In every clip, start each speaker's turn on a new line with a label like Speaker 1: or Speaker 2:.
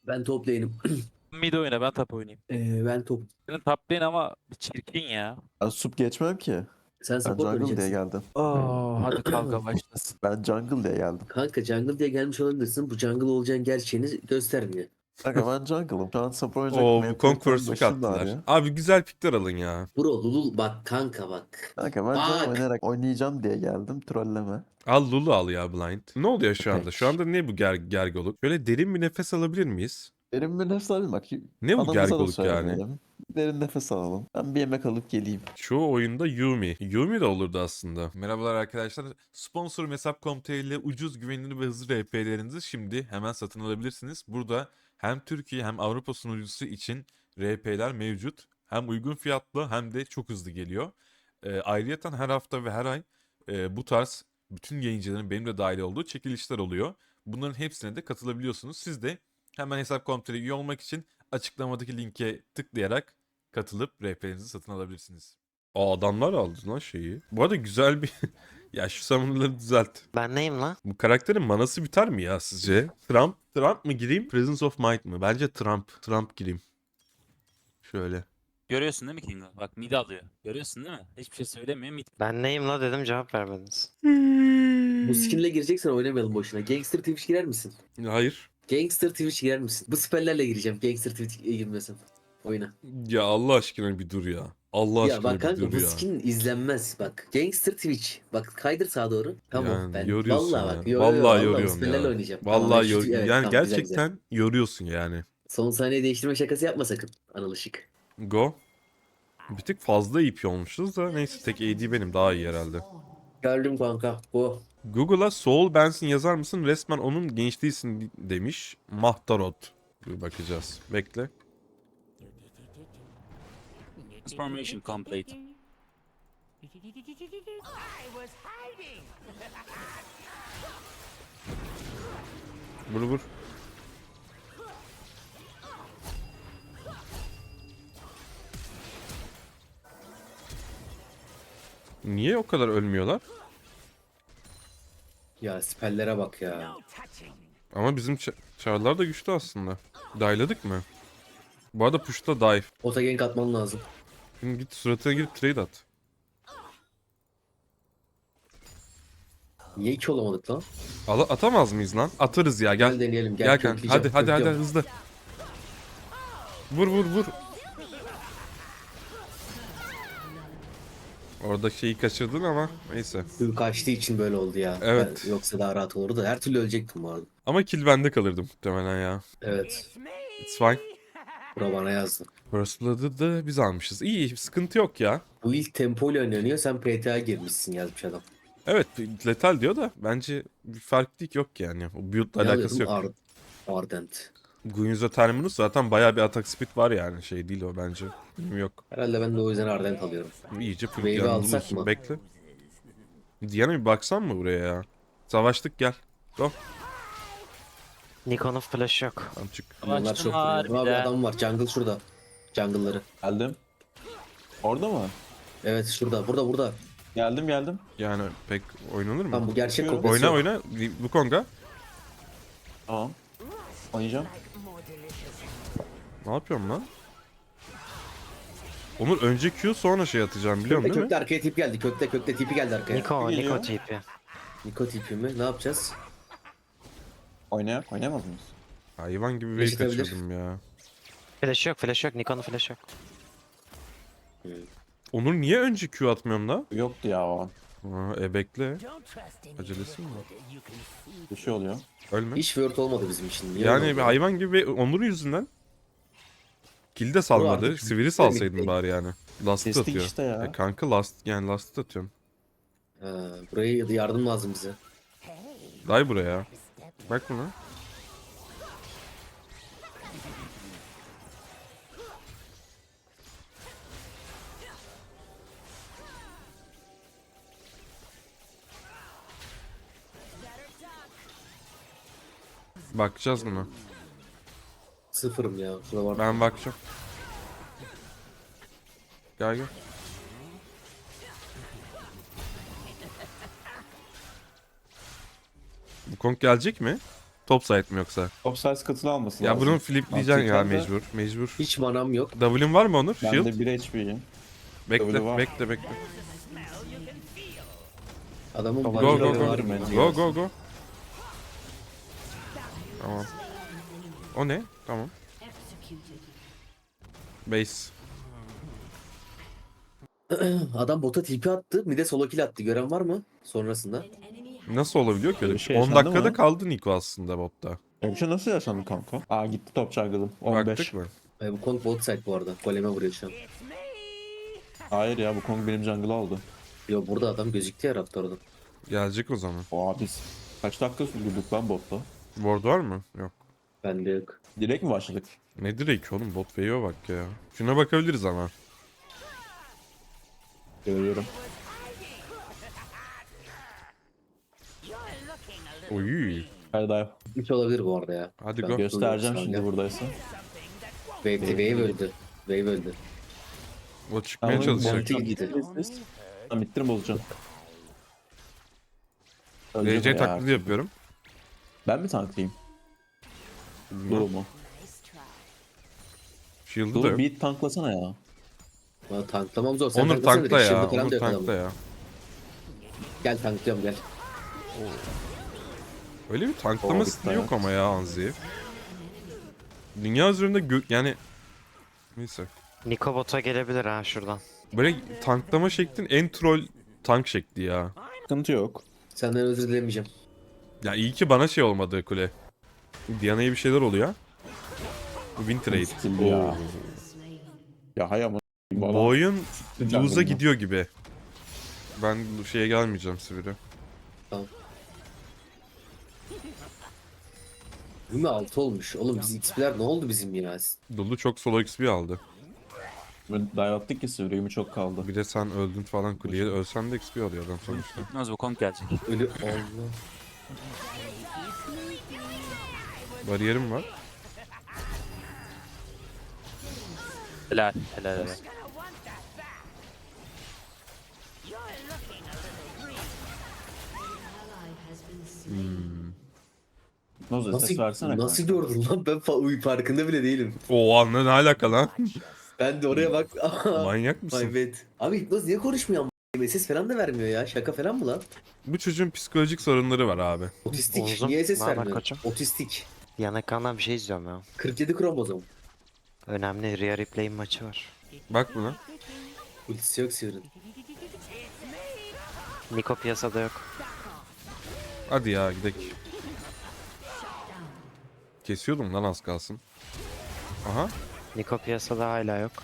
Speaker 1: Ben top lane'im.
Speaker 2: Mid oyna, ben top oynayayım.
Speaker 1: Ben top.
Speaker 2: Senin top lane ama bir çirkin ya.
Speaker 3: Ben sup geçmem ki.
Speaker 1: Sen
Speaker 3: Ben
Speaker 1: support
Speaker 3: jungle diye
Speaker 1: oynayacaksın.
Speaker 3: geldim.
Speaker 2: Hadi kavga başlasın.
Speaker 3: Ben jungle diye geldim.
Speaker 1: Kanka jungle diye gelmiş olabilirsin. Bu jungle olacağın gerçeğini göstermiyor.
Speaker 3: Kanka ben jungle'ım. Şu an support oynayacak
Speaker 4: Oo, bu
Speaker 3: mentalitenin
Speaker 4: Conqueror'lık
Speaker 3: başım da
Speaker 4: attılar.
Speaker 3: ağrıyor.
Speaker 4: Abi güzel pikler alın ya.
Speaker 1: Bro Lulul bak kanka bak.
Speaker 3: Kanka ben jungle
Speaker 1: Bak.
Speaker 3: oynayarak oynayacağım diye geldim. Trolleme.
Speaker 4: Al Lulu al ya Blind. Ne oluyor şu anda? Şu
Speaker 3: Peki.
Speaker 4: anda ne bu gergoluk? Şöyle derin bir nefes alabilir miyiz?
Speaker 3: Derin bir nefes alayım bak.
Speaker 4: Ne bu
Speaker 3: Anamıza da
Speaker 4: gergoluk yani?
Speaker 3: söylemeyelim. Derin nefes alalım. Ben bir yemek alıp geleyim.
Speaker 4: Çoğu oyunda Yumi. Yumi de olurdu aslında. Merhabalar arkadaşlar. Sponsor Hesap.com.tr ile ucuz, güvenilir ve hızlı RP'lerinizi şimdi hemen satın alabilirsiniz. Burada hem Türkiye hem Avrupa sunucusu için RP'ler mevcut. Hem uygun fiyatlı hem de çok hızlı geliyor. Ayrıyeten her hafta ve her ay bu tarz bütün yayıncıların benim de dahil olduğu çekilişler oluyor. Bunların hepsine de katılabiliyorsunuz. Siz de hemen Hesap.com.tr'ye üye olmak için açıklamadaki linke tıklayarak katılıp RP'lerinizi satın alabilirsiniz. Adamlar aldı lan şeyi. Bu arada güzel bir... Ya şu summoner'ları düzelt.
Speaker 5: Ben neyim lan?
Speaker 4: Bu karakterin manası biter mi ya sizce? Trump mı gireyim? Presence of Might mı? Bence Trump gireyim. Şöyle.
Speaker 2: Görüyorsun değil mi Kingo? Bak mid alıyor. Görüyorsun değil mi? Hiçbir şey söylemiyor mid.
Speaker 5: Ben neyim la dedim cevap vermediniz.
Speaker 1: Bu skinle gireceksen oynamayalım boşuna. Gangster Twitch girer misin?
Speaker 4: Hayır.
Speaker 1: Gangster Twitch girer misin? Bu spellerle gireceğim. Gangster Twitch girmesin. Oyuna.
Speaker 4: Ya Allah aşkına bir dur ya. Allah
Speaker 1: Ya
Speaker 4: aşkına
Speaker 1: bak
Speaker 4: bir
Speaker 1: kanka
Speaker 4: dur
Speaker 1: bu
Speaker 4: ya.
Speaker 1: skin izlenmez. Bak Gangster Twitch. Bak kaydır sağa doğru. Tamam
Speaker 4: Yani
Speaker 1: ben.
Speaker 4: yoruyorsun
Speaker 1: Vallahi
Speaker 4: ya.
Speaker 1: bak.
Speaker 4: Vallahi
Speaker 1: Vallahi bu
Speaker 4: yoruyorsun
Speaker 1: spellerle
Speaker 4: ya.
Speaker 1: oynayacağım. Tamam,
Speaker 4: Vallahi
Speaker 1: evet,
Speaker 4: yani
Speaker 1: tamam, güzel güzel.
Speaker 4: gerçekten yoruyorsun yani.
Speaker 1: Son saniye değiştirme şakası yapma sakın. Anıl Işık.
Speaker 4: Go. Bir tık fazla EP olmuşuz da neyse tek AD benim daha iyi herhalde.
Speaker 1: Geldim kanka. Bu.
Speaker 4: Google'a Soul Benson yazar mısın? Resmen onun gençliğisin demiş. Mahtarot. Bir bakacağız. Bekle.
Speaker 2: Transformation complete.
Speaker 4: Vur vur. Niye o kadar ölmüyorlar?
Speaker 1: Ya spellere bak ya.
Speaker 4: Ama bizim çarlar da güçlü aslında. Dive'ladık mı? Bu arada push'ta dive.
Speaker 1: Ota gank atman lazım.
Speaker 4: Şimdi git suratına girip trade at.
Speaker 1: Niye iki olamadık lan?
Speaker 4: Atamaz mıyız lan? Atarız ya
Speaker 1: Gel
Speaker 4: gel.
Speaker 1: deneyelim. Gel,
Speaker 4: Gel kanka.
Speaker 1: kökleyeceğim,
Speaker 4: Hadi
Speaker 1: kökleyeceğim.
Speaker 4: hızlı. Vur vur vur. Orada şeyi kaçırdın ama neyse.
Speaker 1: Dün kaçtığı için böyle oldu ya.
Speaker 4: Evet.
Speaker 1: Yoksa daha rahat olurdu. Her türlü ölecektim bu arada.
Speaker 4: Ama kill bende kalırdı muhtemelen ya.
Speaker 1: Evet.
Speaker 4: It's fine.
Speaker 1: Bura bana yazdı.
Speaker 4: First Blood'ı da biz almışız. İyi, sıkıntı yok ya.
Speaker 1: Bu ilk tempo ile oynanıyor. Sen PTA girmişsin yazmış adam.
Speaker 4: Evet, letal diyor da bence bir farklılık yok yani. O build'la
Speaker 1: Ne
Speaker 4: alakası yok.
Speaker 1: alıyordun? Ardent.
Speaker 4: Gunyuza Terminus zaten bayağı bir atak speed var yani. Şey değil o bence. Yok.
Speaker 1: Herhalde ben de o yüzden Ardent alıyorum.
Speaker 4: İyice full
Speaker 1: Wave'i
Speaker 4: yanında
Speaker 1: alsak
Speaker 4: olursun.
Speaker 1: mı?
Speaker 4: Bekle. Diana bir baksan mı buraya ya? Savaştık gel. Go.
Speaker 5: Nikon'un flash yok.
Speaker 4: Tamam çık.
Speaker 1: Bunlar
Speaker 2: Açtım
Speaker 1: çok vuruyor. Abi
Speaker 2: harbiden.
Speaker 1: adam var. Jungle şurada. Jungle'ları.
Speaker 3: Geldim. Orada mı?
Speaker 1: Evet şurada. Burada.
Speaker 3: Geldim.
Speaker 4: Yani pek oynanır mı?
Speaker 1: Tam bu gerçek
Speaker 3: Oynuyorum.
Speaker 1: kopyası yok.
Speaker 4: Oyna. Wukong'a.
Speaker 3: Tamam. Oynayacağım.
Speaker 4: Ne yapıyorum lan? Onur önce Q sonra şey atacağım biliyor musun değil mi?
Speaker 1: Kökte arkaya tip geldi. Kökte tipi geldi arkaya.
Speaker 5: Niko
Speaker 3: geliyor.
Speaker 5: TP.
Speaker 1: Niko tipi mi? Ne yapacağız?
Speaker 3: Oynayamaz mıyız?
Speaker 4: Hayvan gibi
Speaker 1: Flash
Speaker 4: wave
Speaker 1: atabilir.
Speaker 4: kaçırdım ya.
Speaker 5: Flash yok. Nikon'un flash yok.
Speaker 4: Onur niye önce Q atmıyorum da?
Speaker 3: Yoktu ya o an.
Speaker 4: Bekle. Acelesi mi var?
Speaker 3: Bir şey oluyor.
Speaker 4: Ölme.
Speaker 1: Hiç word olmadı bizim için. Niye
Speaker 4: Yani
Speaker 1: öyle
Speaker 4: bir
Speaker 1: oldu?
Speaker 4: hayvan gibi Onur'un yüzünden. Kill de salmadı.
Speaker 1: artık
Speaker 4: Sivri salsaydın
Speaker 1: bitti.
Speaker 4: bari yani. Last
Speaker 3: Kestik
Speaker 4: atıyor.
Speaker 3: işte ya.
Speaker 4: Kanka last atıyorum.
Speaker 1: Buraya yardım lazım bize.
Speaker 4: Day buraya. Bak buna. Bakacağız buna.
Speaker 1: Sıfırım ya. Şurada var.
Speaker 4: Ben bakacağım. Gel. Bu Kong gelecek mi? Top side mi yoksa?
Speaker 3: Offside katını alması
Speaker 4: Ya
Speaker 3: lazım.
Speaker 4: bunun flipleyeceksin ya
Speaker 3: Mantıken de
Speaker 4: mecbur.
Speaker 1: Hiç manam yok.
Speaker 4: W'in var mı Onur?
Speaker 3: Ben
Speaker 4: Shield.
Speaker 3: de 1 HP'yim.
Speaker 4: Bekle
Speaker 3: W var.
Speaker 4: bekle.
Speaker 1: Adamın
Speaker 3: Go,
Speaker 4: Go
Speaker 1: bacı
Speaker 4: go
Speaker 1: var
Speaker 4: go.
Speaker 3: Var
Speaker 1: mı?
Speaker 3: bence.
Speaker 4: Go. Tamam. O ne? Tamam. Base.
Speaker 1: Adam bota TP attı. Bir de solo kill attı. Gören var mı? Sonrasında.
Speaker 4: Nasıl olabiliyor ki öyle
Speaker 3: Öyle
Speaker 4: bir
Speaker 3: bir
Speaker 4: şey?
Speaker 3: şey
Speaker 4: 10
Speaker 3: yaşandı
Speaker 4: dakikada
Speaker 3: mı?
Speaker 4: kaldı Niko aslında botta.
Speaker 3: Öyle bir şey nasıl yaşandı kanka? Aa gitti top jungle'ım. 15.
Speaker 4: Baktık mı?
Speaker 1: Bu Kong bot side bu arada. Goleme vuruyor şu an.
Speaker 3: Hayır ya bu Kong benim jungle'ı aldı.
Speaker 1: Yo burada adam gözüktü ya Raptor'da.
Speaker 4: Gelecek o zaman.
Speaker 3: Oha biz kaç dakika sürdürdük lan botta?
Speaker 4: Ward var mı? Yok.
Speaker 1: Bende yok.
Speaker 3: Direkt mi başladık?
Speaker 4: Ne direkt oğlum bot wave'e bak ya. Şuna bakabiliriz ama.
Speaker 3: Görüyorum.
Speaker 4: Oy.
Speaker 3: Hadi dive.
Speaker 1: Hiç olabilir bu arada ya.
Speaker 4: Hadi
Speaker 1: Ben
Speaker 4: go.
Speaker 3: Göstereceğim
Speaker 1: Sağ
Speaker 3: şimdi
Speaker 1: ol.
Speaker 3: buradaysa.
Speaker 1: Wave öldü. Wave öldü.
Speaker 4: O çıkmaya
Speaker 3: Ama
Speaker 4: çalışacak.
Speaker 1: Monty gidi.
Speaker 3: Tamam bittirim bozacağım.
Speaker 4: RC taklidi yapıyorum.
Speaker 3: Ben mi tanklayayım? Doğu mu?
Speaker 4: Shield'ı da
Speaker 3: Doğu
Speaker 4: yok.
Speaker 3: bir tanklasana ya.
Speaker 1: Valla tanklamam zor. Sen
Speaker 4: Onur
Speaker 1: tanklasana
Speaker 4: tankla
Speaker 1: direkt.
Speaker 4: ya.
Speaker 1: Shield'ı falan
Speaker 4: Onur
Speaker 1: da yok
Speaker 4: tankla
Speaker 1: adamın.
Speaker 4: ya.
Speaker 1: Gel tanklıyorum gel.
Speaker 4: Öyle bir tanklama
Speaker 3: Oo,
Speaker 4: stili
Speaker 3: bitti
Speaker 4: yok
Speaker 3: hayat.
Speaker 4: ama ya Anzi. Dünya üzerinde yani neyse.
Speaker 5: Niko bota gelebilir ha şuradan.
Speaker 4: Böyle tanklama şeklin en troll tank şekli ya.
Speaker 3: Sıkıntı yok.
Speaker 1: Senden özür dilemeyeceğim.
Speaker 4: Ya iyi ki bana şey olmadı kule. Diana'ya bir şeyler oluyor. Win trade.
Speaker 3: Skill ya.
Speaker 4: Oo.
Speaker 3: Ya hay ama.
Speaker 4: Bu oyun
Speaker 3: Jungle'da.
Speaker 4: lose'a gidiyor gibi. Ben bu şeye gelmeyeceğim Sivri.
Speaker 1: Değil mi 6 olmuş? Oğlum biz XP'ler ne oldu bizim ya?
Speaker 4: Dolu çok solo XP aldı.
Speaker 3: Ben dive attık ki Sivri'mi çok kaldı.
Speaker 4: Bir de sen öldün falan kuleye. Ölsen de XP alıyor adam sonuçta.
Speaker 2: Gitmez bu Kong gelecek.
Speaker 1: Ölü Allah.
Speaker 4: Bariyerim var.
Speaker 2: Helal.
Speaker 3: Noza ses
Speaker 1: Nasıl,
Speaker 3: versene
Speaker 1: nasıl
Speaker 3: kanka.
Speaker 1: gördün lan? Ben farkında bile değilim.
Speaker 4: Oo anne ne alaka lan?
Speaker 1: Ben de oraya bak.
Speaker 4: Manyak
Speaker 1: My
Speaker 4: mısın?
Speaker 1: bad. Abi Hipnoz niye konuşmuyor ama? Ses falan da vermiyor ya. Şaka falan mı lan?
Speaker 4: Bu çocuğun psikolojik sorunları var abi.
Speaker 1: Otistik.
Speaker 5: Oğuzum,
Speaker 1: Niye ses
Speaker 5: ne haber
Speaker 1: vermiyor?
Speaker 5: koçum?
Speaker 1: Otistik.
Speaker 5: Yan ekrandan bir şey izliyorum ya.
Speaker 1: 47 kromozom.
Speaker 5: Önemli Rhea Ripley'in maçı var.
Speaker 4: Bak buna.
Speaker 1: Ultisi yok Sivri'nin.
Speaker 5: Niko piyasada yok.
Speaker 4: Hadi ya gidelim. Kesiyordum lan az kalsın. Aha.
Speaker 5: Niko piyasada hala yok.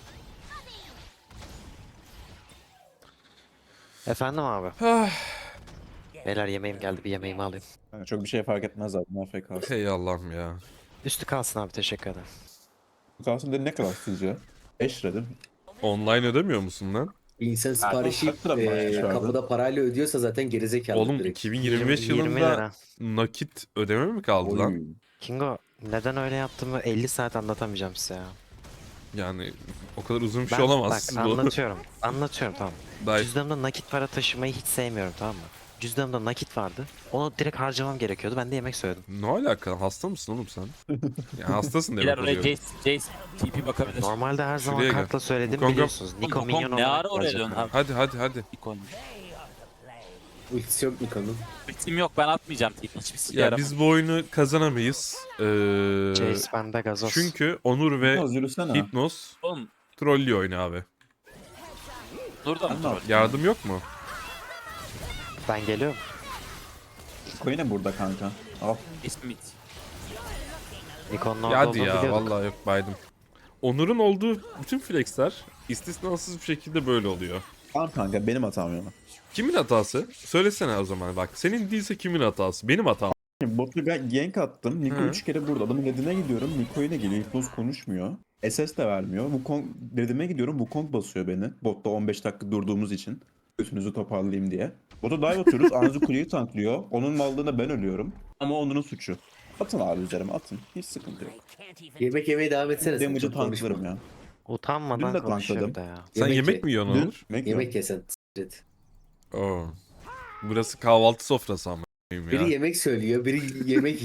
Speaker 5: Efendim abi. Beyler yemeğim geldi, bir yemeğimi alayım.
Speaker 3: Yani çok bir şey fark etmez zaten AFK.
Speaker 4: Hey Allah'ım ya.
Speaker 5: Üstü kalsın abi, teşekkür ederim.
Speaker 3: Kalsın dedi ne kadar sizce? 5 lira değil mi?
Speaker 4: Online ödemiyor musun lan?
Speaker 1: Bir insan siparişi
Speaker 3: kaç lira maaş vardı?
Speaker 1: kapıda parayla ödüyorsa zaten gerizekalı
Speaker 4: Oğlum
Speaker 1: direkt.
Speaker 4: 2025
Speaker 5: 20
Speaker 4: yılında
Speaker 5: lira.
Speaker 4: nakit ödeme mi kaldı lan?
Speaker 3: Oy.
Speaker 5: Kingo, neden öyle yaptığımı 50 saat anlatamayacağım size ya.
Speaker 4: Yani o kadar uzun bir
Speaker 5: Ben,
Speaker 4: şey olamaz.
Speaker 5: bak
Speaker 4: bu.
Speaker 5: anlatıyorum tamam.
Speaker 4: Daha
Speaker 5: Cüzdanımda nakit para taşımayı hiç sevmiyorum, tamam mı? Cüzdanımda nakit vardı. Onu direkt harcamam gerekiyordu. Ben de yemek söyledim.
Speaker 4: ne alaka? Hasta mısın oğlum sen? Ya hastasın
Speaker 2: Beyler
Speaker 4: demek
Speaker 2: oraya
Speaker 4: oluyor.
Speaker 2: Jace TP bakabilir.
Speaker 5: Normalde her zaman
Speaker 4: Şuraya gel.
Speaker 5: kartla söyledim,
Speaker 4: Wukong'a-
Speaker 5: biliyorsunuz. Niko
Speaker 2: Oğlum,
Speaker 5: minyon
Speaker 2: Kong ne
Speaker 5: olarak
Speaker 2: ara oraya
Speaker 5: gelecek.
Speaker 2: dön abi.
Speaker 4: Hadi.
Speaker 2: İlk oyunmuş.
Speaker 1: Ultisi yok Niko'nun.
Speaker 2: Ultim yok, ben atmayacağım TP. Hiçbir sike
Speaker 4: Ya
Speaker 2: yaramaz.
Speaker 4: biz bu oyunu kazanamayız.
Speaker 5: Jace bende gazoz.
Speaker 4: Çünkü Onur ve
Speaker 3: Biraz yürüsene.
Speaker 4: Hypnos
Speaker 2: Oğlum
Speaker 4: trollüyor oyunu abi.
Speaker 2: burada mı
Speaker 3: Ben ne
Speaker 2: troll?
Speaker 3: yapayım?
Speaker 4: Yardım yok mu?
Speaker 5: Ben geliyorum.
Speaker 3: Niko yine burada kanka. Al.
Speaker 2: İsmit.
Speaker 5: Niko'nun
Speaker 4: Ya
Speaker 5: orada
Speaker 4: hadi
Speaker 5: olduğunu
Speaker 4: ya
Speaker 5: biliyorduk.
Speaker 4: vallahi yok baydım. Onur'un olduğu bütün flexler istisnasız bir şekilde böyle oluyor.
Speaker 3: Tamam kanka benim hatam ya.
Speaker 4: Kimin hatası? Söylesene o zaman bak. Senin değilse kimin hatası? Benim hatam.
Speaker 3: Şimdi botu ben gank attım. Niko
Speaker 4: Hı.
Speaker 3: 3 kere burada. Adamın dediğine gidiyorum. Niko yine geliyor. Hipnoz konuşmuyor. SS de vermiyor. Wukong dediğime gidiyorum. Wukong basıyor beni. Botta 15 dakika durduğumuz için. Götünüzü toparlayayım diye. Bota dive atıyoruz. Anzu kuleyi tanklıyor. Onun mallığına ben ölüyorum. Ama onun suçu. Atın abi üzerime atın. Hiç sıkıntı yok.
Speaker 1: Yemek yemeye devam etsene sen.
Speaker 3: Damage'ı
Speaker 1: Çok konuşma.
Speaker 3: tanklarım ya.
Speaker 5: Utanmadan
Speaker 3: Dün de
Speaker 5: konuşuyor
Speaker 3: tankladım.
Speaker 5: bir de ya.
Speaker 4: Sen
Speaker 1: Yemek
Speaker 4: yemek
Speaker 1: ye.
Speaker 4: mi yiyorsun
Speaker 3: Dün
Speaker 4: Onur?
Speaker 1: Yemek yesen. s**t.
Speaker 4: Oo. Burası kahvaltı sofrası ama. Ya.
Speaker 1: Biri yemek söylüyor, biri yemek yiyor.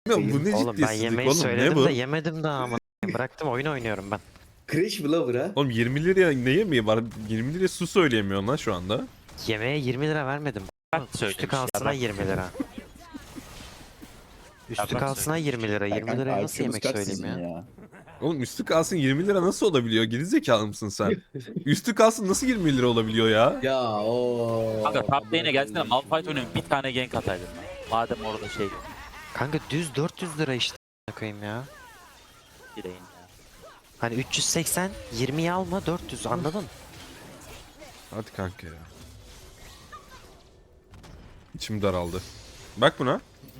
Speaker 4: Ya bu ne
Speaker 5: Oğlum ben
Speaker 4: ciddiyetsizlik
Speaker 5: yemeği
Speaker 4: oğlum, ne
Speaker 5: söyledim
Speaker 4: bu?
Speaker 5: de yemedim daha ama. Bıraktım, oyun oynuyorum ben.
Speaker 1: Crash Blower ha.
Speaker 4: Oğlum 20 liraya ne yemeği var? 20 liraya su söyleyemiyorsun lan şu anda.
Speaker 5: Yemeğe 20 lira vermedim. Üstü
Speaker 2: söylemiş,
Speaker 5: kalsına
Speaker 2: yalan.
Speaker 5: 20 lira. Üstü
Speaker 2: Yalan
Speaker 5: kalsına 20 lira. 20
Speaker 3: Kanka,
Speaker 5: liraya nasıl
Speaker 3: IQ'muz
Speaker 5: yemek
Speaker 3: kaç
Speaker 5: söyleyeyim
Speaker 3: sizin
Speaker 5: ya?
Speaker 4: Oğlum üstü kalsın 20 lira nasıl olabiliyor? Gerizekalı mısın sen? Üstü kalsın nasıl 20 lira olabiliyor ya?
Speaker 1: Ya o.
Speaker 2: Kanka top lane'e gelsene Malphite oynuyorum bir tane gank ataydın lan. Madem orada şey
Speaker 5: Kanka düz 400 lira işte koyayım ya.
Speaker 2: gireyim ya.
Speaker 5: Hani 380 20'yi alma 400 anladın?
Speaker 4: Hadi kanka ya. İçim daraldı. Bak buna.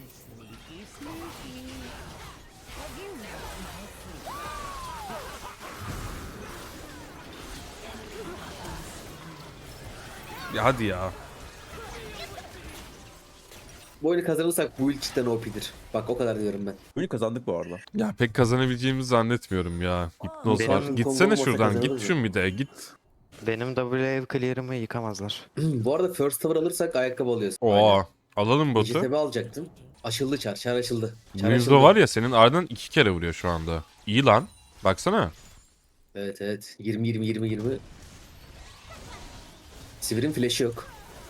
Speaker 4: Ya hadi ya.
Speaker 1: Bu oyunu kazanırsak bu cidden OP'dir. Bak o kadar diyorum ben.
Speaker 3: Oyunu kazandık bu arada.
Speaker 4: Ya pek kazanabileceğimizi zannetmiyorum ya. Hipnoz
Speaker 5: Benim
Speaker 4: var.
Speaker 1: combo
Speaker 4: Gitsene
Speaker 1: olmasa
Speaker 4: şuradan. Git
Speaker 1: kazanırız
Speaker 4: şun bir de git.
Speaker 5: Benim W clear'ımı yıkamazlar.
Speaker 1: Bu arada first tower alırsak ayakkabı alıyoruz.
Speaker 4: Oo. Alalım botu.
Speaker 1: Vegetable alacaktım. Açıldı çar. Çar açıldı. Çar
Speaker 4: Winslow var ya senin ardından 2 kere vuruyor şu anda. İyi lan. Baksana.
Speaker 1: Evet evet. 20. Sivir'in flash'ı yok.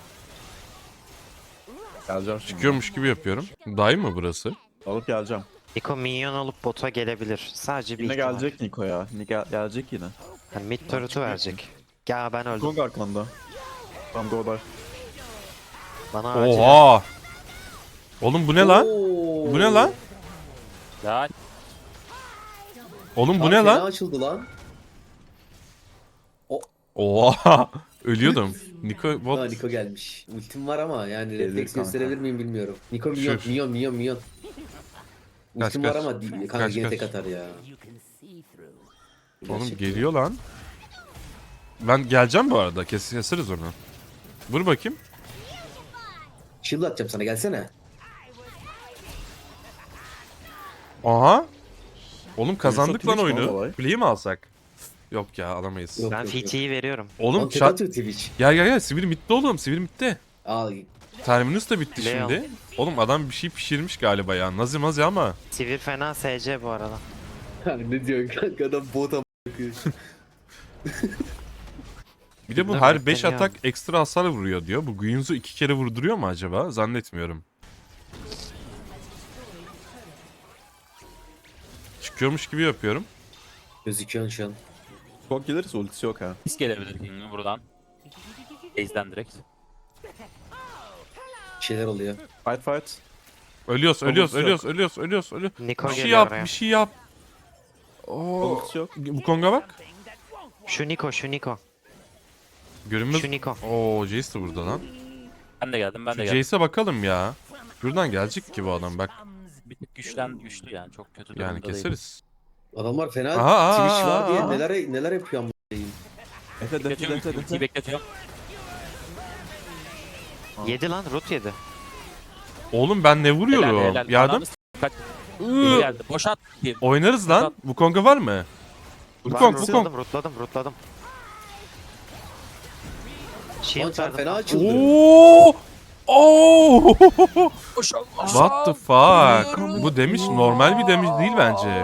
Speaker 3: Geleceğim şimdi.
Speaker 4: Çıkıyormuş gibi yapıyorum. Dayı mı burası?
Speaker 3: Alıp geleceğim.
Speaker 5: Niko minyon alıp bota gelebilir. Sadece bir
Speaker 3: Yine
Speaker 5: ihtimal.
Speaker 3: gelecek Niko ya. Gelecek yine.
Speaker 5: Hani mid turret'ı verecek. Ya ben öldüm.
Speaker 3: Kong arkanda. Tam doğru.
Speaker 5: Bana acil.
Speaker 4: Oha. Oğlum bu ne lan?
Speaker 1: Oo.
Speaker 4: Bu ne lan?
Speaker 2: Ya
Speaker 4: Oğlum bu
Speaker 1: Çar
Speaker 4: ne
Speaker 1: fena
Speaker 4: lan?
Speaker 1: açıldı lan.
Speaker 4: Oha. Ölüyordum. Niko
Speaker 1: Ha
Speaker 4: bot.
Speaker 1: Niko gelmiş. Ultim var ama yani
Speaker 3: Gelir
Speaker 1: refleks
Speaker 3: kanka.
Speaker 1: gösterebilir miyim bilmiyorum. Niko minyon
Speaker 4: Şur.
Speaker 1: minyon.
Speaker 4: Kaç,
Speaker 1: Ultim var
Speaker 4: kaç.
Speaker 1: ama kanka
Speaker 4: Kaç,
Speaker 1: yine
Speaker 4: kaç.
Speaker 1: tek atar ya.
Speaker 4: Oğlum
Speaker 1: Gerçekten.
Speaker 4: geliyor lan. Ben geleceğim bu arada. Keseriz onu. Vur bakayım.
Speaker 1: Shield atacağım sana gelsene.
Speaker 4: Aha. Oğlum kazandık lan
Speaker 3: Twitch mi
Speaker 4: oyunu.
Speaker 3: olay?
Speaker 4: Kuleyi mi alsak? Yok ya alamayız.
Speaker 1: Yok.
Speaker 5: Ben FT'yi veriyorum.
Speaker 4: Oğlum
Speaker 1: Oğlum tek
Speaker 4: çat.
Speaker 1: atıyor Twitch.
Speaker 4: Gel. Sivil bitti oğlum. Sivil bitti.
Speaker 1: Al.
Speaker 4: Terminus da bitti
Speaker 5: Leon.
Speaker 4: şimdi. Oğlum adam bir şey pişirmiş galiba ya. Nazi mazi ama.
Speaker 5: Sivir fena SC bu arada.
Speaker 1: Ne diyorsun kanka adam bota
Speaker 4: Bir de bu
Speaker 5: Bilmem,
Speaker 4: her 5
Speaker 5: bekleniyor.
Speaker 4: atak ekstra hasar vuruyor diyor. Bu Guinsoo 2 kere vurduruyor mu acaba? Zannetmiyorum. Çıkıyormuş gibi yapıyorum.
Speaker 1: gözüküyorsun şu an.
Speaker 3: Kong gelirse ultisi yok ha.
Speaker 2: biz gelebilir King'in buradan. Base'den direkt.
Speaker 1: Bir şeyler oluyor.
Speaker 3: Fight.
Speaker 4: Ölüyoruz.
Speaker 5: Niko
Speaker 4: Bir şey
Speaker 5: geliyor
Speaker 4: yap,
Speaker 5: oraya.
Speaker 4: bir şey yap. Oo.
Speaker 3: Ultisi yok.
Speaker 4: Bu Kong'a bak.
Speaker 5: Şu Niko.
Speaker 4: Görünmez.
Speaker 5: Şu Niko.
Speaker 4: Oo, Jace de burada lan.
Speaker 2: Ben de geldim
Speaker 4: Şu Jace'e bakalım ya. Şuradan gelecek ki bu adam bak.
Speaker 2: Bir tık güçlü yani çok kötü durumda
Speaker 4: Yani
Speaker 2: değil.
Speaker 4: keseriz.
Speaker 1: Adamlar fena
Speaker 4: Aha,
Speaker 1: Twitch var
Speaker 4: aha,
Speaker 1: diye
Speaker 4: aha.
Speaker 1: neler yapıyor ama.
Speaker 3: Efe
Speaker 2: Bekletiyorum, ultiyi bekletiyorum.
Speaker 5: Yedi lan root yedi.
Speaker 4: Oğlum ben ne vuruyorum? Yardım.
Speaker 2: Ananı kaç. Biri geldi. Boşalt.
Speaker 4: Oynarız lan. Bu Kong'a var mı?
Speaker 5: Var,
Speaker 4: Wukong.
Speaker 5: rootladım.
Speaker 1: Lan
Speaker 5: Shield
Speaker 1: çar
Speaker 5: verdim.
Speaker 1: fena açıldı.
Speaker 4: Oo! Oo!
Speaker 2: Boşalt.
Speaker 4: What the fuck? Bu damage normal bir damage değil bence.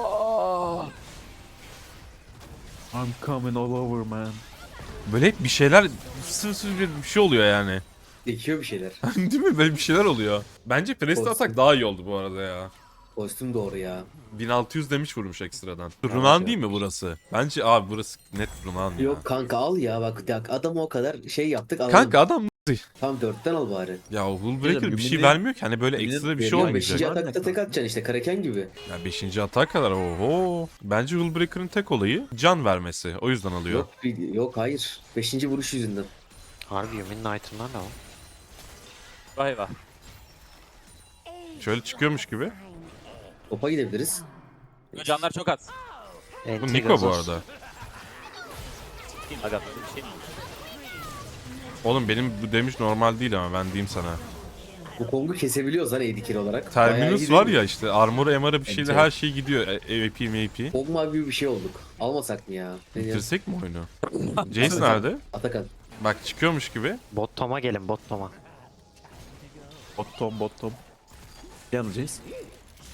Speaker 3: I'm coming all over man.
Speaker 4: Böyle hep bir şeyler sır bir şey oluyor yani.
Speaker 1: Dekiyor bir şeyler.
Speaker 4: Değil mi? Böyle bir şeyler oluyor. Bence Presto
Speaker 1: Olsun.
Speaker 4: atak daha iyi oldu bu arada ya.
Speaker 1: Kostüm doğru ya.
Speaker 4: 1600 demiş vurmuş ekstradan. Runan değil mi burası? Bence abi burası net Runan ya.
Speaker 1: Yok kanka al ya bak adamı o kadar şey yaptık alalım.
Speaker 4: Kanka adam
Speaker 1: Tam 4'ten al bari.
Speaker 4: ya Hullbreaker bir şey
Speaker 3: Gümrüğün-
Speaker 4: vermiyor ki hani böyle
Speaker 3: Gümrüğün
Speaker 4: ekstra bir şey
Speaker 3: veriyor,
Speaker 4: olmayacak.
Speaker 1: 5.
Speaker 3: Var mı
Speaker 1: atakta tek atacaksın işte Kraken gibi.
Speaker 4: Ya 5. atak kadar oho. Bence Hullbreaker'ın tek olayı can vermesi. O yüzden alıyor.
Speaker 1: Yok hayır. 5. vuruş yüzünden.
Speaker 5: Harbi Yumi'nin item'lar ne o?
Speaker 2: Vay vay.
Speaker 4: Şöyle çıkıyormuş gibi.
Speaker 1: Topa gidebiliriz.
Speaker 2: Canlar çok az.
Speaker 4: Bu
Speaker 5: Enti
Speaker 4: Niko bu
Speaker 5: gazoz.
Speaker 4: arada.
Speaker 2: Kim aga bir şey mi?
Speaker 4: Oğlum benim bu demiş normal değil ama ben diyeyim sana.
Speaker 1: Bu Kong'u kesebiliyoruz lan AD carry olarak. Bayağı iyi
Speaker 4: Terminus
Speaker 1: değil
Speaker 4: var
Speaker 1: mi?
Speaker 4: ya işte armor MR'a bir şeyle
Speaker 3: Evet.
Speaker 4: her şey gidiyor. AP MAP.
Speaker 1: Kog'ma gibi bir şey olduk. Almasak mı ya? Ne diyorsun?
Speaker 4: Bitirsek mi oyunu? Jace nerede?
Speaker 1: Atakan.
Speaker 4: Bak çıkıyormuş gibi.
Speaker 5: Bot Tom'a gelin bot Tom'a.
Speaker 3: Bottom. Yanılacağız.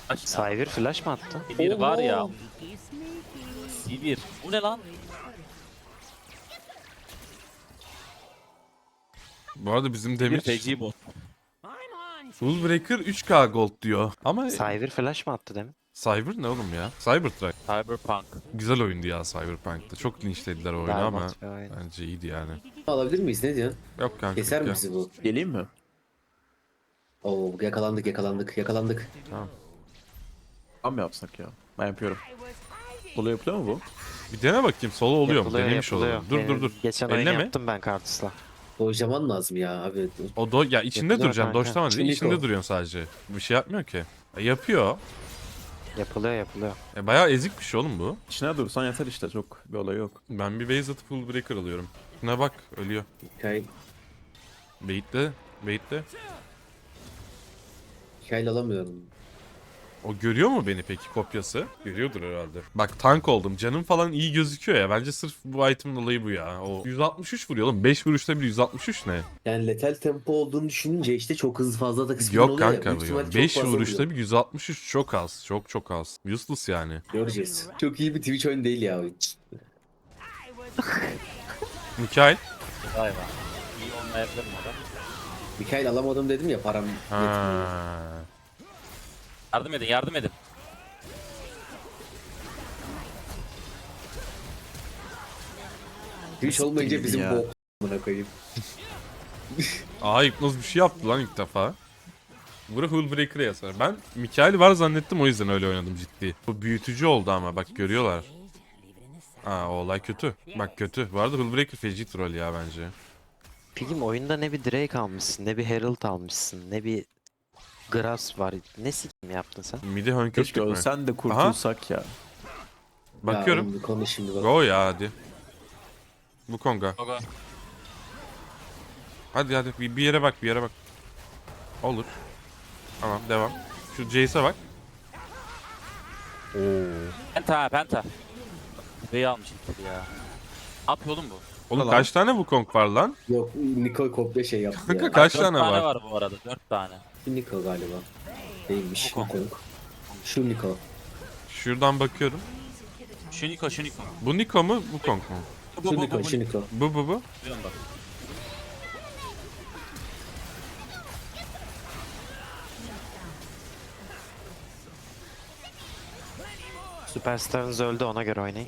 Speaker 5: Cyber flash mı attı?
Speaker 2: Bir var ya.
Speaker 1: Oha.
Speaker 2: Sivir. Bu ne lan?
Speaker 4: Bu arada bizim
Speaker 2: Bir
Speaker 4: Demir
Speaker 2: feci bot.
Speaker 4: Rulebreaker 3K gold diyor. Ama
Speaker 5: Cyber flash mı attı demin?
Speaker 4: Cyber ne oğlum ya? Cybertruck.
Speaker 2: Cyberpunk.
Speaker 4: Güzel oyundu ya Cyberpunk'ta. Çok linçlediler o oyunu ama
Speaker 5: Berbat bir oyun.
Speaker 4: bence iyiydi yani.
Speaker 1: Alabilir miyiz? Ne diyorsun?
Speaker 4: Yok kanka.
Speaker 1: Keser mi
Speaker 4: gel.
Speaker 1: bizi bu?
Speaker 3: Geleyim mi?
Speaker 1: Oo yakalandık.
Speaker 3: Tam mı yapsak ya? Ben yapıyorum. Solo yapılıyor mu bu?
Speaker 4: Bir dene bakayım solo oluyor mu?
Speaker 5: Yapılıyor,
Speaker 4: Denemiş
Speaker 5: yapılıyor.
Speaker 4: olalım. Dur
Speaker 5: Benim
Speaker 4: dur.
Speaker 5: Geçen oyun
Speaker 4: Elleme.
Speaker 5: yaptım ben Kartus'la.
Speaker 1: Dojlaman lazım ya abi.
Speaker 4: O ya içinde
Speaker 5: Yapılıyor
Speaker 4: duracaksın.
Speaker 5: kanka.
Speaker 4: Doşlama dedi.
Speaker 1: Şimdi
Speaker 4: İçinde
Speaker 1: o.
Speaker 4: duruyorsun sadece. Bir şey yapmıyor ki. Yapıyor.
Speaker 5: Yapılıyor.
Speaker 4: Bayağı ezik bir şey oğlum bu.
Speaker 3: İçine dursan yeter işte, çok bir olay yok.
Speaker 4: Ben bir base atıp full breaker alıyorum. Şuna bak ölüyor.
Speaker 1: Hikaye,
Speaker 4: Bait'le.
Speaker 1: hikaye alamıyorum.
Speaker 4: O görüyor mu beni peki kopyası? Görüyordur herhalde. Bak tank oldum. Canım falan iyi gözüküyor ya. Bence sırf bu item'ın olayı bu ya. O 163 vuruyor oğlum. 5 vuruşta bile 163 ne?
Speaker 1: Yani letal tempo olduğunu düşününce işte çok hızlı fazla da kısmı
Speaker 4: Yok
Speaker 1: oluyor ya.
Speaker 4: kanka
Speaker 1: Büyük
Speaker 4: bu
Speaker 1: ihtimal
Speaker 4: ya.
Speaker 1: çok
Speaker 4: 5
Speaker 1: fazla
Speaker 4: vuruşta
Speaker 1: vuruyor.
Speaker 4: bir 163 çok az. Çok az. Useless yani.
Speaker 1: Göreceğiz. Çok iyi bir Twitch oyunu değil ya oyun.
Speaker 4: Mikael.
Speaker 2: Vay be. İyi olmayabilir mi o da?
Speaker 1: Mikael alamadım dedim ya, param yetmiyor.
Speaker 4: Ha.
Speaker 2: Yardım edin.
Speaker 1: Twitch olmayınca
Speaker 3: Nasıl
Speaker 1: bizim
Speaker 3: ya?
Speaker 1: bok amına koyayım.
Speaker 4: Aa Hipnoz bir şey yaptı lan ilk defa. Bura Hullbreaker'a yazar. Ben Mikael var zannettim, o yüzden öyle oynadım ciddi. Bu büyütücü oldu ama bak görüyorlar. Aa o olay kötü. Bak kötü. Bu arada Hullbreaker feci troll ya bence.
Speaker 5: Pigim oyunda ne bir Drake almışsın, ne bir Herald almışsın, ne bir Grass var. Ne sikim yaptın sen?
Speaker 4: Midi hönkürttük
Speaker 3: Keşke
Speaker 4: mü?
Speaker 3: ölsen de kurtulsak ya.
Speaker 4: Bakıyorum.
Speaker 1: Ya, oğlum, konu şimdi bak.
Speaker 4: Go ya hadi. Bu konga.
Speaker 2: Gogo.
Speaker 4: Hadi bir yere bak, bir yere bak. Olur. Tamam devam. Şu Jace'e bak. Oo.
Speaker 2: Penta. Beyi almış ilk ya. Ne yapıyor oğlum bu?
Speaker 4: Oğlum
Speaker 3: Tamam.
Speaker 4: kaç tane bu kong var lan?
Speaker 1: Yok, Niko kopya şey yaptı
Speaker 4: Kanka
Speaker 1: ya.
Speaker 4: kaç
Speaker 2: 4
Speaker 4: tane var?
Speaker 2: var bu arada. 4 tane.
Speaker 1: Niko galiba. Değilmiş.
Speaker 2: Niko.
Speaker 1: Niko. Şu Niko.
Speaker 4: Şuradan bakıyorum.
Speaker 2: Şu Niko.
Speaker 4: Bu Niko mu, bu kong mu?
Speaker 1: Şu Niko. Şu Niko.
Speaker 4: Bu.
Speaker 2: Biliyorum bak.
Speaker 5: Superstar'ınız öldü, ona göre oynayın.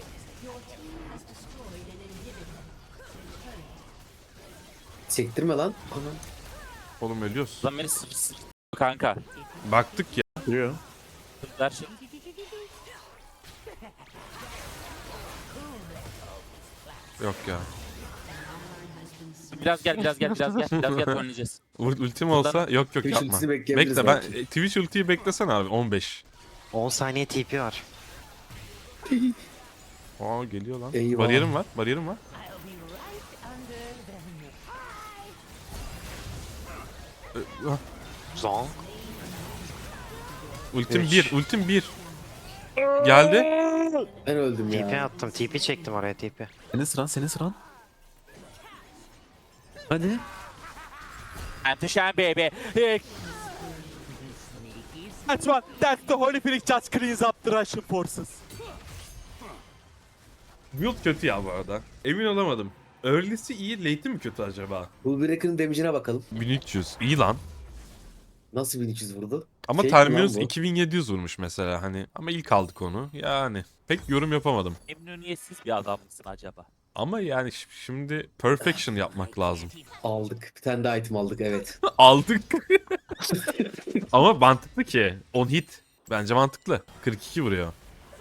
Speaker 1: Sektirme lan. Anam.
Speaker 4: Oğlum ölüyoruz.
Speaker 2: Lan beni kanka.
Speaker 4: Baktık ya.
Speaker 3: Duruyor.
Speaker 2: Her şey.
Speaker 4: Yok ya.
Speaker 2: Biraz gel oynayacağız.
Speaker 4: Ultim olsa yok
Speaker 1: Twitch
Speaker 4: yapma.
Speaker 1: ultisini bekleyebiliriz
Speaker 4: Bekle ben
Speaker 1: belki.
Speaker 4: Twitch ultiyi beklesen abi 15.
Speaker 5: 10 saniye TP var.
Speaker 4: Aa geliyor lan.
Speaker 1: Eyvah.
Speaker 4: Bariyerim var.
Speaker 5: Zong.
Speaker 4: Ultim
Speaker 5: Üç.
Speaker 4: 1. Geldi.
Speaker 1: Ben öldüm
Speaker 5: TP
Speaker 1: ya.
Speaker 5: attım, TP çektim oraya TP.
Speaker 3: Senin sıran. Hadi.
Speaker 2: Anti-Shine baby. That's what. That's the Holy Phoenix just cleans up the Russian forces.
Speaker 4: Build kötü ya bu arada. Emin olamadım. Early'si iyi, late'i mi kötü acaba?
Speaker 1: Bullbreaker'ın damage'ine bakalım.
Speaker 4: 1300. İyi lan.
Speaker 1: Nasıl 1300 vurdu?
Speaker 4: Ama
Speaker 1: Şey
Speaker 4: Terminus
Speaker 1: lan bu.
Speaker 4: 2700 vurmuş mesela hani. Ama ilk aldık onu. Yani pek yorum yapamadım.
Speaker 2: Memnuniyetsiz bir adam mısın acaba?
Speaker 4: Ama yani şimdi perfection yapmak lazım.
Speaker 1: Aldık. Bir tane daha item aldık, evet.
Speaker 4: Aldık. Ama mantıklı ki. 10 hit. Bence mantıklı. 42 vuruyor.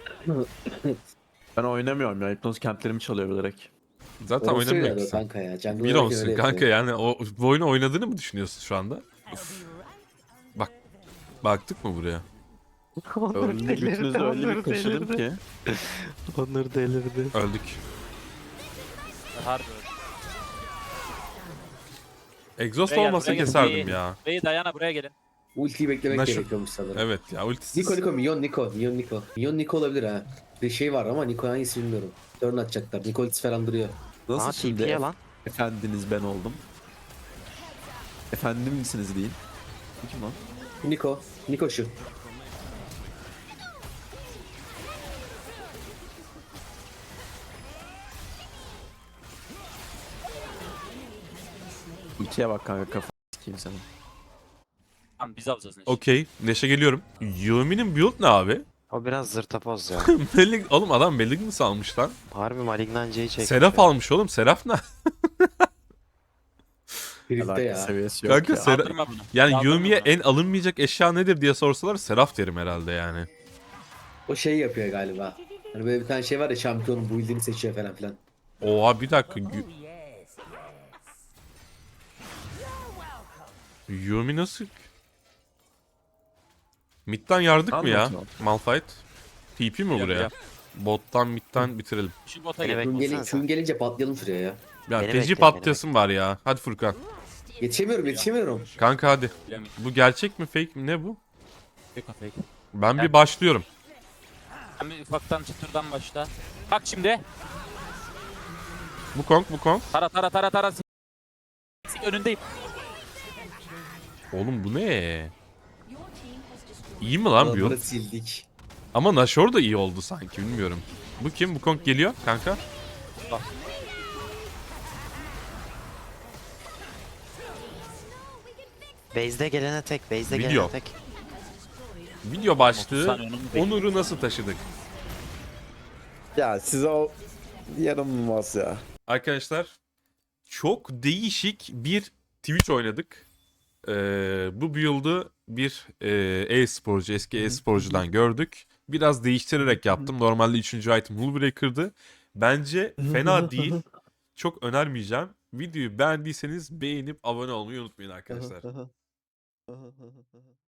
Speaker 3: Ben oynamıyorum ya. Hipnoz camplerimi çalıyor bilerek.
Speaker 4: Zaten
Speaker 1: Orası öyle
Speaker 4: oynamıyorsun.
Speaker 1: kanka ya. Jungle
Speaker 4: Bir
Speaker 1: oynarken
Speaker 4: olsun
Speaker 1: öyle
Speaker 4: kanka
Speaker 1: yapıyor.
Speaker 4: yani bu oyunu oynadığını mı düşünüyorsun şu anda? Uf. Bak. Baktık mı buraya?
Speaker 3: Önüne götünüzü öyle bir kaşıdım ki.
Speaker 5: Onur delirdi.
Speaker 4: Öldük.
Speaker 2: Harbi.
Speaker 4: Exhaust
Speaker 2: Buraya gel,
Speaker 4: olmasa
Speaker 2: buraya gel.
Speaker 4: keserdim ya.
Speaker 2: Beyi Dayana buraya gelin.
Speaker 1: Ultiyi beklemek
Speaker 4: Naşım.
Speaker 1: gerekiyormuş sanırım.
Speaker 4: Evet ya ultisiz.
Speaker 1: Niko, Minyon Niko olabilir ha. Bir şey var ama Niko hangisi bilmiyorum. Turn atacaklar. Niko ultisi falan duruyor.
Speaker 3: Nasıl
Speaker 5: Aa
Speaker 3: şimdi
Speaker 5: TP'ye lan.
Speaker 3: efendiniz ben oldum? Efendim misiniz deyin. Kim lan?
Speaker 1: Niko şu.
Speaker 6: Ultiye bak kanka, kafa sikeyim senin.
Speaker 2: Tamam biz alacağız Neşe.
Speaker 4: Okey. Neşe geliyorum. Yumi'nin build ne abi?
Speaker 5: O biraz zırtapoz ya.
Speaker 4: Oğlum adam Malignant almış lan.
Speaker 5: Harbi Malignanca'yı çekmiş.
Speaker 4: Seraf
Speaker 5: ya.
Speaker 4: almış oğlum. Seraf ne?
Speaker 1: Birlikte
Speaker 6: Alaka
Speaker 1: ya.
Speaker 6: seviyesi yok
Speaker 4: Kanka
Speaker 6: ya.
Speaker 4: Seraf...
Speaker 2: Kaldırma bunu.
Speaker 4: Yani
Speaker 2: Kaldırma
Speaker 4: Yumi'ye
Speaker 2: bunu.
Speaker 4: en alınmayacak eşya nedir diye sorsalar Seraf derim herhalde yani.
Speaker 1: O şey yapıyor galiba. Hani böyle bir tane şey var ya, şampiyonun build'ini seçiyor falan filan.
Speaker 4: Oha bir dakika. Yumi nasıl? Mid'den yardık mı ya?
Speaker 6: Anlatma.
Speaker 4: Malphite. TP mi
Speaker 2: Biliyorum,
Speaker 4: buraya?
Speaker 2: biliyorum.
Speaker 4: Bottan mid'den bitirelim.
Speaker 2: Şu bota
Speaker 5: Beni
Speaker 2: gel.
Speaker 5: beklesene sen.
Speaker 1: Şun gelince patlayalım şuraya ya.
Speaker 4: Ya
Speaker 5: Beni
Speaker 4: feci
Speaker 5: bekle,
Speaker 4: patlayasım var ya. Hadi Furkan.
Speaker 1: Yetişemiyorum.
Speaker 4: Kanka hadi.
Speaker 2: Bilemedim.
Speaker 4: Bu gerçek mi fake mi ne bu?
Speaker 2: Fake fake.
Speaker 4: Ben bir
Speaker 2: Yani-
Speaker 4: başlıyorum.
Speaker 2: Sen bir ufaktan çıtırdan başla. Bak şimdi.
Speaker 4: Bu Kong.
Speaker 2: Tara. Önündeyim.
Speaker 4: Oğlum bu ne? İyi mi lan
Speaker 1: Adamları
Speaker 4: build?
Speaker 1: sildik.
Speaker 4: Ama Nashor da iyi oldu sanki bilmiyorum. Bu kim? Bu Kong geliyor kanka.
Speaker 5: Base'de gelene tek, base'de
Speaker 4: Video.
Speaker 5: gelene tek.
Speaker 4: Video
Speaker 2: 30
Speaker 4: başlığı.
Speaker 2: saniye onu mu bekliyorsun?
Speaker 4: Onur'u nasıl taşıdık?
Speaker 6: Ya size o yaranılmaz ya.
Speaker 4: Arkadaşlar çok değişik bir Twitch oynadık. Bu build'ı bir e-sporcu, eski e-sporcudan gördük. Biraz değiştirerek yaptım. Normalde 3. item Hullbreaker'dı. Bence fena değil. Çok önermeyeceğim. Videoyu beğendiyseniz beğenip abone olmayı unutmayın arkadaşlar.